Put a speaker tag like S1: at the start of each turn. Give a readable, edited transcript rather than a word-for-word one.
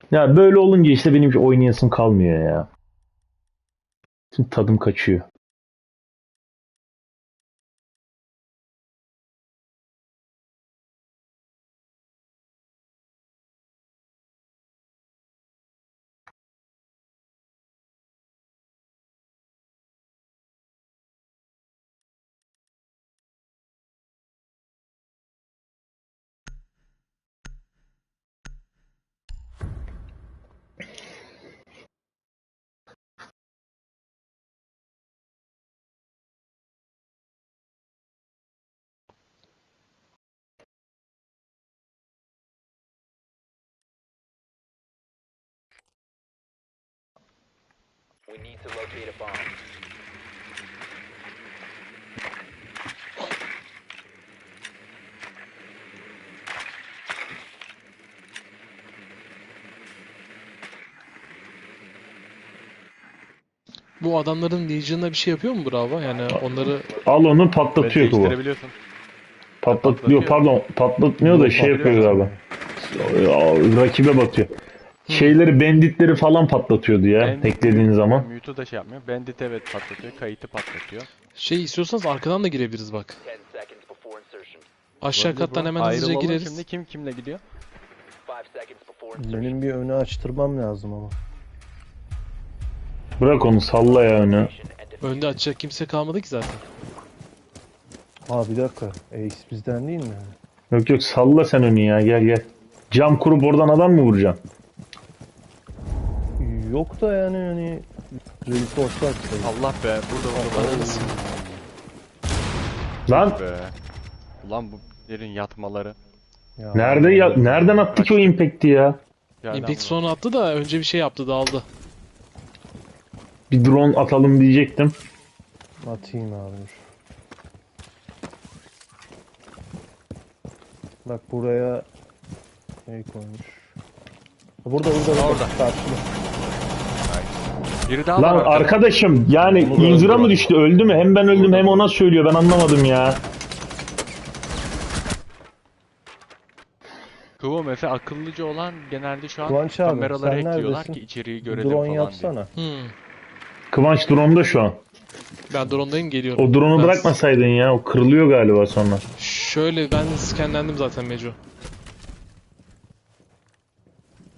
S1: Ya böyle olunca işte benim hiç oynayasım kalmıyor ya. Şimdi tadım kaçıyor.
S2: We need to locate a bomb.
S3: Bu adamların Legion'da bir şey yapıyor mu Bravo? Yani onları
S1: Al onu
S4: Evet,
S1: patlatıyor bu.
S4: değiştirebiliyorsun.
S1: Patlatıyor,
S4: Patlatıyor.
S1: pardon, patlatmıyor da
S5: Yok
S1: şey yapıyor galiba.
S5: patlatmıyor.
S1: Rakibe batıyor.
S3: hmm.
S1: Şeyleri, banditleri falan patlatıyordu ya eklediğin zaman.
S4: Mute'u da şey yapmıyor. Bandit evet patlatıyor. Kayıtı patlatıyor.
S3: Şey istiyorsanız arkadan da girebiliriz bak.
S2: 10 seconds before insertion.
S3: Aşağı
S4: Olabilir
S3: kattan
S4: bro.
S3: hemen hızlıca
S4: Ayrılalım
S3: gireriz.
S4: şimdi. Kim kimle gidiyor?
S2: 5 seconds before insertion.
S5: Benim bir önü açtırmam lazım ama.
S1: Bırak onu, salla ya önü.
S2: And defuse
S3: Önde açacak kimse kalmadı ki zaten.
S5: Aa bir dakika. Ace bizden değil mi?
S1: Yok yok, salla sen önü ya, gel gel. Cam kurup oradan adam mı vuracaksın?
S5: Yok da yani hani reinforce açsaydı.
S4: Allah be. Burada
S3: Ananız.
S1: Lan
S4: be. Ulan bu yerin yatmaları.
S5: Ya,
S1: nerede ya, nereden attı ki o impact'i ya?
S4: Yerden
S3: Impact
S4: vurdu.
S3: sonra attı da önce bir şey yaptı dağıldı.
S1: Bir drone atalım diyecektim.
S5: Atayım abi dur. Bak buraya şey koymuş. Burada
S4: Orada.
S5: karşıda.
S4: Biri daha
S1: Lan
S4: var arkada.
S1: arkadaşım, yani
S5: Onu da
S1: inzura mı
S5: öldürdüm.
S1: düştü, öldü mü? Hem ben öldüm
S4: Burada.
S1: hem ona söylüyor, ben anlamadım ya.
S4: Kıvam Efe akıllıca olan genelde şu an
S5: Kıvanç abi,
S4: kameraları
S5: sen
S4: ekliyorlar
S5: neredesin?
S4: ki içeriği görelim
S5: Drone
S4: falan diye.
S5: yapsana.
S1: Kıvanç drone'da şu an.
S3: Ben drone'dayım geliyorum.
S1: O drone'u
S3: Ben-
S1: bırakmasaydın ya, o kırılıyor galiba sonra.
S3: Şöyle ben scanlendim zaten Meco.